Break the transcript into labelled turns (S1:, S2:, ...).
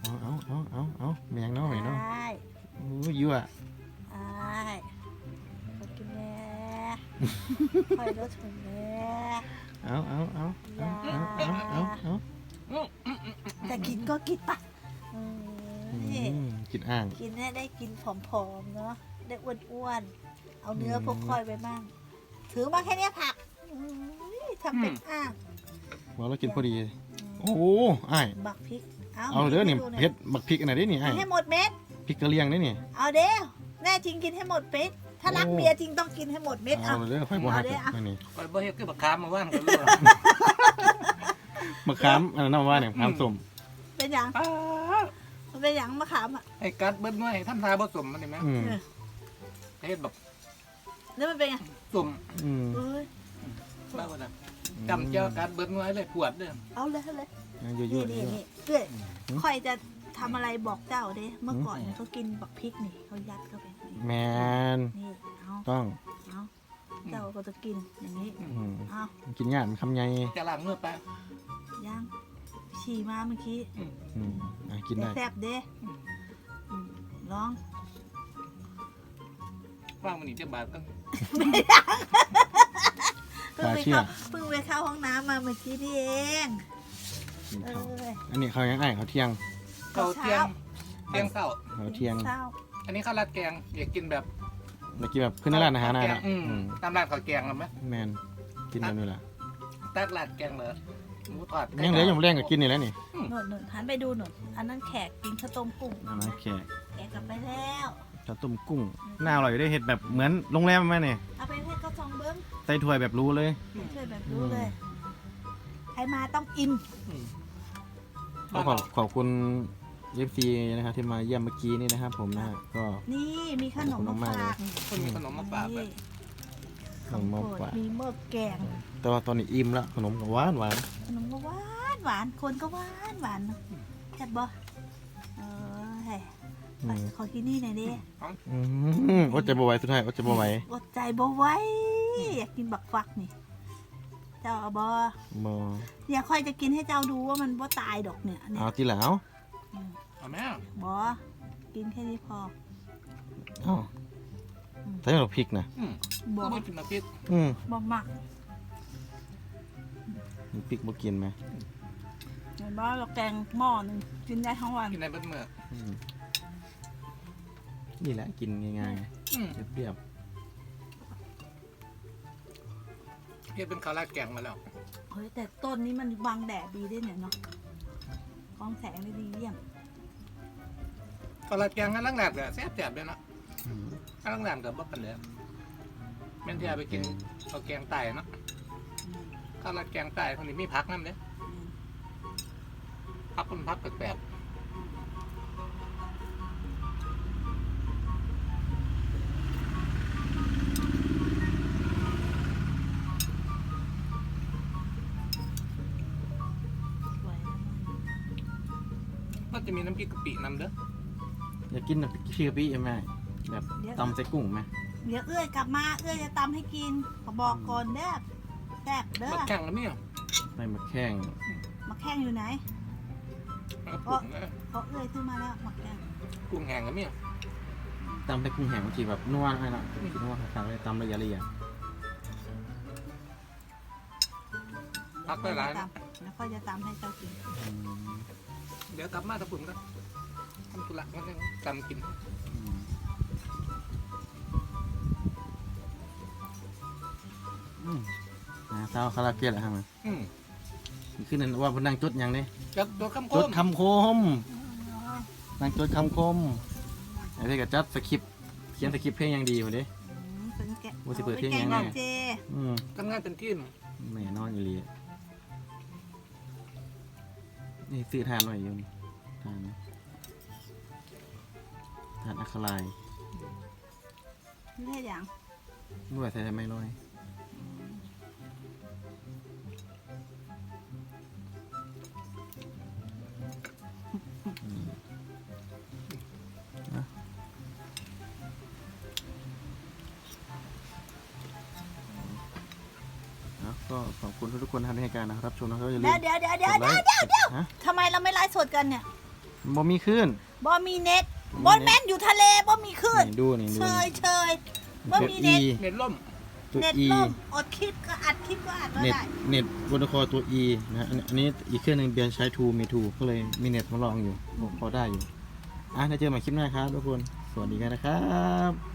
S1: เอาแมงเนาะไหมเนาะ
S2: ใช่
S1: โอ้ยยั่ว
S2: ใช่ขอกินแม่คอยรถถึงแม่
S1: เอา
S2: แต่กินก็กินปะนี่
S1: กินอ่าง
S2: กินได้กินผอมๆเนาะได้อ้วนๆเอาเนื้อพวกคอยไปมั่งถือมาแค่นี้ผักทำเป็นอ่าง
S1: ว่าเรากินพอดีโอ้อ้าย
S2: บักพริก
S1: เอาเด้อนี่เผ็ดบักพริกอันไหนได้นี่อ้าย
S2: ให้หมดเม็ด
S1: พริกกะเหรี่ยงได้นี่
S2: เอาเด้อแน่จริงกินให้หมดเม็ดถ้ารักเมียจริงต้องกินให้หมดเม็ด
S1: เอาเด้อไฟบัวหักนี่
S3: ไปบ่เฮ็ดคือบักขามมาว่างกันเลย
S1: มะขามอันนั้นว่าเนี่ยมะขามส้ม
S2: เป็นอย่างมันเป็นอย่างมะขามอ่ะ
S3: ไอ้กัดเบิ้ลน้อยทำทาบ่สมมันนี่แม่เฮ็ดแบบ
S2: แล้วมันเป็นไง
S3: สม
S2: เอ้ย
S3: บ้าบ่ล่ะจำเจ้ากัดเบิ้ลน้อยเลยปวดเด้อ
S2: เอาเลย
S1: ยั่ว
S2: นี่เอ้ยคอยจะทำอะไรบอกเจ้าเด้เมื่อก่อนเนี่ยเขากินบักพริกนี่เขายัดเข้าไป
S1: แมน
S2: นี่เอา
S1: ต้อง
S2: เจ้าก็จะกินอย่างนี้เอา
S1: กินง่ายมันคำใหญ่
S3: จะล้างมือไป
S2: ย่างฉี่มาเมื่อกี้
S1: กินได้
S2: แซ่บเด้ลอง
S3: ว่างมันนี่จะบาดกัน
S2: เพิ่งไปเข้าห้องน้ำมาเมื่อกี้นี่เองเออ
S1: อันนี้เขายังอ้ายเขาเที่ยง
S3: เขาเที่ยงเช้า
S1: เขาเที่ยง
S3: อันนี้ข้าวราดแกงอยากกินแบบ
S1: เมื่อกี้แบบขึ้นร้านอาหารนะ
S3: ตามร้านข้าวแกงแล้วไหม
S1: แมนกินแบบนี้แหละ
S3: ตักราดแกงเลยหมูทอด
S1: ยังเหลืออยู่แรงก็กินนี่แล้วนี่
S2: หนุนหันไปดูหนุนอันนั้นแขกกินข้าวต้มกุ้ง
S1: อันนั้นแขก
S2: แขกกลับไปแล้ว
S1: ข้าวต้มกุ้งน่าอร่อยได้เห็ดแบบเหมือนโรงแรมไหมเนี่ย
S2: เอาไปให้เขาซองเบิ้ง
S1: ใส่ถ้วยแบบรู้เลย
S2: ช่วยแบบรู้เลยใครมาต้องอิ่ม
S1: ก็ขอบคุณเอฟซีนะครับที่มาเยี่ยมเมื่อกี้นี่นะครับผมนะก็
S2: นี่มีขนมมาฝาก
S3: คนมีขนมมาฝากแบบ
S1: ขนมมาฝาก
S2: มีเมื่อแกง
S1: แต่ว่าตอนนี้อิ่มแล้วขนมก็หวาน
S2: ขนมก็หวานคนก็หวานแซ่บบ่ไปขอกินนี่หน่อยดิ
S1: อดใจบ่ไหวสุดท้ายอดใจบ่ไหว
S2: อดใจบ่ไหวอยากกินบักฟักนี่เจ้าเอาบ่
S1: บ่
S2: อย่าค่อยจะกินให้เจ้าดูว่ามันบ่ตายดอกเนี่ย
S1: เอาทีหลัง
S3: เอาแม่
S2: บ่กินแค่นี้พอ
S1: เอาใส่หน่อพริกนะ
S2: บ่
S3: ไม่กินมาพิษ
S2: บ่มัก
S1: พริกบ่กินไหม
S2: เห็นบ่เราแกงหม้อนึงกินได้ทั้งวัน
S3: กินในเบิ้ลเมื่อ
S1: นี่แหละกินง่ายๆเปรี้ยว
S3: เฮ็ดเป็นข้าวราดแกงมาแล้ว
S2: เฮ้ยแต่ต้นนี้มันบังแดดดีด้วยเนี่ยเนาะกองแสงได้ดีเยี่ยม
S3: ข้าวราดแกงงั้นล้างแหลมก็แซ่บๆเลยเนาะล้างแหลมก็บ่ปานใดแม่นที่เอาไปกินข้าวแกงไต่เนาะข้าวราดแกงไต่คนนี้มีผักนำเด้ผักคนผักแปลก
S2: สวย
S3: ก็จะมีน้ำพริกกะปินำเด้อ
S1: อยากกินน้ำพริกกะปิไหมแบบตำใส่กุ้งไหม
S2: เดี๋ยวเอื้อยกลับมาเอื้อยจะตำให้กินขอบอกก่อนเด้อแซ่บเด้อ
S3: มาแข่งกันเนี่ย
S1: ไปมาแข้ง
S2: มาแข้งอยู่ไหน
S3: กุ้ง
S2: เพราะเอื้อยซื้อมาแล้วมาแข้ง
S3: กุ้งแห้งกันเนี่ย
S1: ตำใส่กุ้งแห้งบางทีแบบนัวให้ละกินนัวขาดเลยตำละเอียด
S3: พักได้หลายนะ
S2: แล้วก็จะตำให้เจ้ากิน
S3: เดี๋ยวกลับมาตะปุ่นกันทำธุระกันยังตำกิน
S1: เช้าคาราเกะแหละฮะมันขึ้นนั่นว่าพนังจดยังเนี่ย
S3: จับตัวคำโค
S1: จด
S3: ม
S1: คำคมนางจดคำคมไอ้เด็กกับจัดสคริปต์เขียนสคริปต์เพลงยังดีกว่าดิ
S2: เป็นแกะ
S1: ว่าสิเปิดเพลงยังไง
S2: เจ
S3: ทำงานเป็นทีม
S1: แม่นอนอยู่ลีนี่ซื้อทานไว้อยู่นี่ทานอะคาไลน์
S2: นี่แค่อย่าง
S1: ด้วยใส่ไม่ลอยก็ขอบคุณทุกคนที่ให้การนะครับชมนะครับอย่าลืม
S2: เดี๋ยวทำไมเราไม่ไลฟ์สดกันเนี่ย
S1: บ่มีคลื่น
S2: บ่มีเน็ตบ่แม่นอยู่ทะเลบ่มีคลื่น
S1: นี่ดูนี่ดู
S2: เช
S1: นี่
S2: ยเชยบ่มีเน็ต
S3: เน็ตล่ม
S1: ตัว
S2: เน็ต
S1: E
S2: ล่มอดคลิปก็อัดคลิปก็อัดไม่
S1: เน็ต
S2: ได้
S1: เน็ตบนคอตัว E นะฮะอันนี้อีกเครื่องหนึงเบียนใช้ทูมีทูก็เลยมีเน็ตมาลองอยู่พอได้อยู่ได้เจอใหม่คลิปหน้าครับทุกคนสวัสดีกันนะครับ